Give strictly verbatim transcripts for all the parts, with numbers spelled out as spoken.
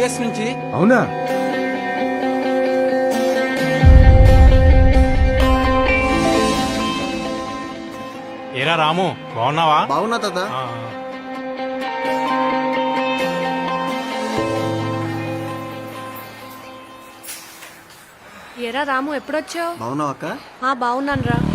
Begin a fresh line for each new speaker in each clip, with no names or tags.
US నుంచి.
అవునా?
ఏరా రాము, బాగున్నావా?
బాగున్నా తాత.
ఆ,
ఏరా రాము ఎప్పుడొచ్చావు?
బాగున్నావు అక్క?
ఆ బాగున్నాను రా.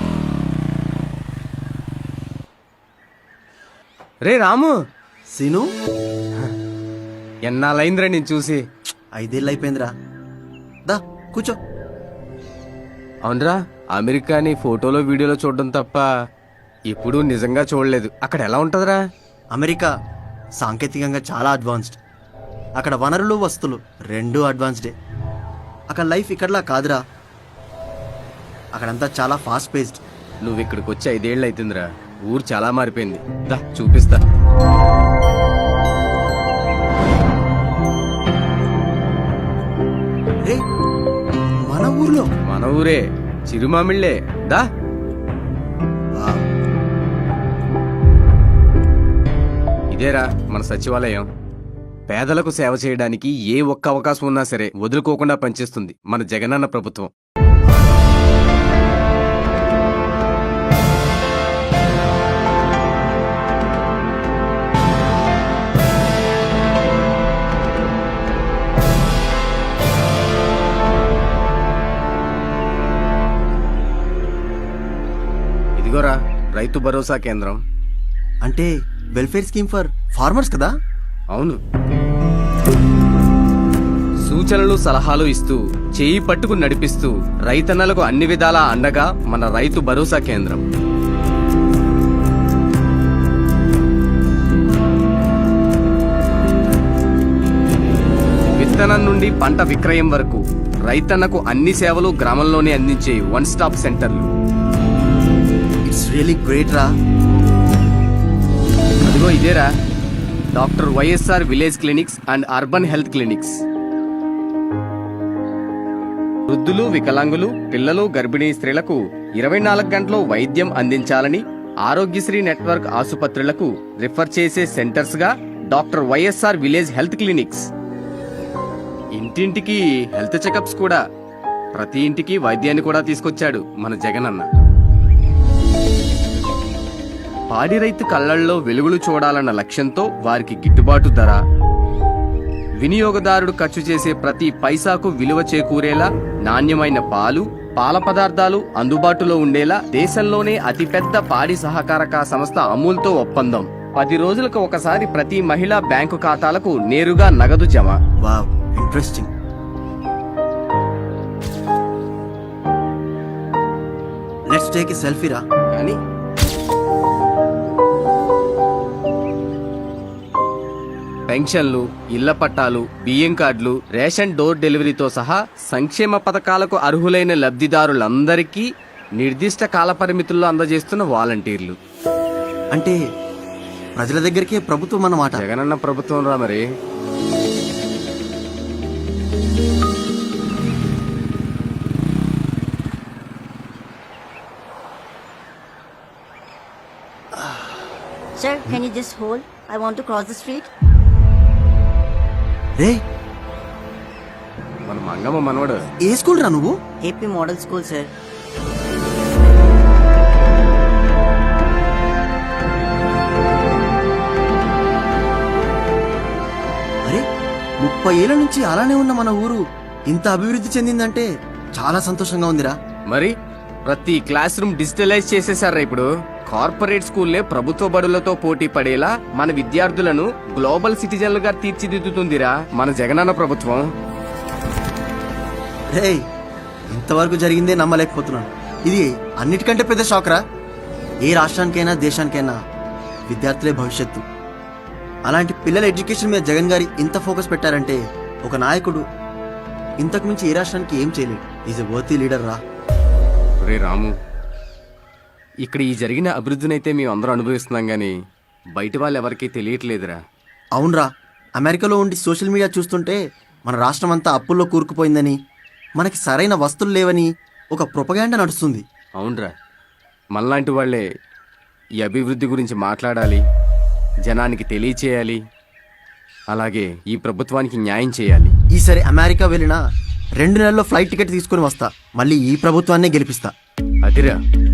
రే రాము,
సీను,
ఎన్నాళ్ళైందిరా నేను చూసి.
ఐదేళ్ళు అయిపోయిందిరా. దా కూర్చో.
అవునరా, అమెరికాని ఫోటోలో వీడియోలో చూడడం తప్ప ఎప్పుడూ నిజంగా చూడలేదు. అక్కడ ఎలా ఉంటుందిరా?
అమెరికా సాంకేతికంగా చాలా అడ్వాన్స్డ్. అక్కడ వనరులు వస్తువులు రెండూ అడ్వాన్స్డే. అక్కడ లైఫ్ ఇక్కడలా కాదురా. అక్కడంతా చాలా ఫాస్ట్ పేస్డ్.
నువ్వు ఇక్కడికి వచ్చి ఐదేళ్ళు అవుతుందిరా. ఊరు చాలా మారిపోయింది. దా చూపిస్తా.
రే, మన ఊర్లో
మన ఊరే, చిరుమామిళ్ళే. దా.
వావ్.
ఇదేరా మన సచివాలయం. పేదలకు సేవ చేయడానికి ఏ ఒక్క అవకాశం ఉన్నా సరే వదులుకోకుండా పనిచేస్తుంది మన జగనన్న ప్రభుత్వం. ఇదిగోరా రైతు భరోసా కేంద్రం.
అంటే వెల్ఫేర్ స్కీమ్ ఫర్ ఫార్మర్స్ కదా?
అవును. సూచనలు సలహాలు ఇస్తూ చేయి పట్టుకు నడిపిస్తూ రైతన్నలకు అన్ని విధాలా అండగా మన రైతు భరోసా కేంద్రం. విత్తనం నుండి పంట విక్రయం వరకు రైతన్నకు అన్ని సేవలు గ్రామంలోనే అందించే వన్ స్టాప్ సెంటర్లు.
ఇట్స్ రియలీ గ్రేట్ రా.
అదిగో ఇదేరా doctor YSR village clinics and urban health clinics. వృద్ధులు, వికలాంగులు, పిల్లలు, గర్భిణీ స్త్రీలకు ఇరవై నాలుగు గంటలు వైద్యం అందించాలని ఆరోగ్యశ్రీ నెట్వర్క్ ఆసుపత్రులకు రిఫర్ చేసే సెంటర్స్ గా doctor YSR village health clinics. ఇంటింటికి హెల్త్ చెకప్స్ కూడా. ప్రతి ఇంటికి వైద్యాన్ని కూడా తీసుకొచ్చాడు మన జగనన్న. పాడి రైతు కళ్లల్లో వెలుగులు చూడాలన్న లక్ష్యంతో వారికి గిట్టుబాటు ధర, వినియోగదారుడు ఖర్చు చేసే ప్రతి పైసాకు విలువ చేకూరేలా నాణ్యమైన పాలు, పాల పదార్థాలు అందుబాటులో ఉండేలా దేశంలోనే అతిపెద్ద పాడి సహకారక సంస్థ అమూల్తో ఒప్పందం. పది రోజులకు ఒకసారి ప్రతి మహిళా బ్యాంకు ఖాతాలకు నేరుగా నగదు జమ.
Wow, interesting. Let's take a selfie రా.
కానీ పెన్షన్లు, ఇళ్ల పట్టాలు, బియ్యం కార్డులు, రేషన్ డోర్ డెలివరీతో సహా సంక్షేమ పథకాలకు అర్హులైన లబ్ధిదారులందరికీ నిర్దిష్ట కాలపరిమితుల్లో అందజేస్తున్న వాలంటీర్లు.
అంటే ప్రజల దగ్గరికే ప్రభుత్వం అన్నమాట.
జగనన్న ప్రభుత్వం రా మరి.
Sir, can you just hold? I want to cross the street.
రే,
మన మంగమ్మ మనవడు.
ఏ స్కూల్ రా నువ్వు?
A P Model School, sir.
అరే, ముప్పై ఏళ్ల నుంచి అలానే ఉన్న మన ఊరు ఇంత అభివృద్ధి చెందిందంటే చాలా సంతోషంగా ఉందిరా.
మరి ప్రతి క్లాస్ రూమ్ డిజిటలైజ్ చేసేసారా ఇప్పుడు. కార్పొరేట్ స్కూల్లే ప్రభుత్వ బడులతో పోటీ పడేలా మన విద్యార్థులను గ్లోబల్ సిటిజన్లుగా తీర్చిదిద్దుతుందిరా మన జగనన్న ప్రభుత్వం.
రే, ఇంతవరకు జరిగిందే నమ్మలేకపోతున్నాను. ఇది అన్నిటికంటే పెద్ద షాక్ రా. ఏ రాష్ట్రానికైనా దేశానికైనా విద్యార్థులే భవిష్యత్తు. అలాంటి పిల్లల ఎడ్యుకేషన్ మీద జగన్ గారి ఇంత ఫోకస్ పెట్టారంటే ఒక నాయకుడు ఇంతకు మించి ఏ రాష్ట్రానికి ఏం చేయలేడు. ఈజ్ ఎ వర్తీ లీడర్ రా.
రే రాము, ఇక్కడ ఈ జరిగిన అభివృద్ధినైతే మేము అందరూ అనుభవిస్తున్నాం గానీ బయట వాళ్ళు ఎవరికీ తెలియట్లేదురా.
అవునరా, అమెరికాలో ఉండి సోషల్ మీడియా చూస్తుంటే మన రాష్ట్రం అంతా అప్పుల్లో కూరుకుపోయిందని, మనకి సరైన వస్తువులు లేవని ఒక ప్రొపగాండా నడుస్తుంది.
అవునరా, మనలాంటి వాళ్లే ఈ అభివృద్ధి గురించి మాట్లాడాలి, జనానికి తెలియచేయాలి. అలాగే ఈ ప్రభుత్వానికి న్యాయం చేయాలి.
ఈసారి అమెరికా వెళ్ళినా రెండు నెలల్లో ఫ్లైట్ టికెట్ తీసుకుని వస్తా. మళ్ళీ ఈ ప్రభుత్వాన్నే గెలిపిస్తా.
అదిరా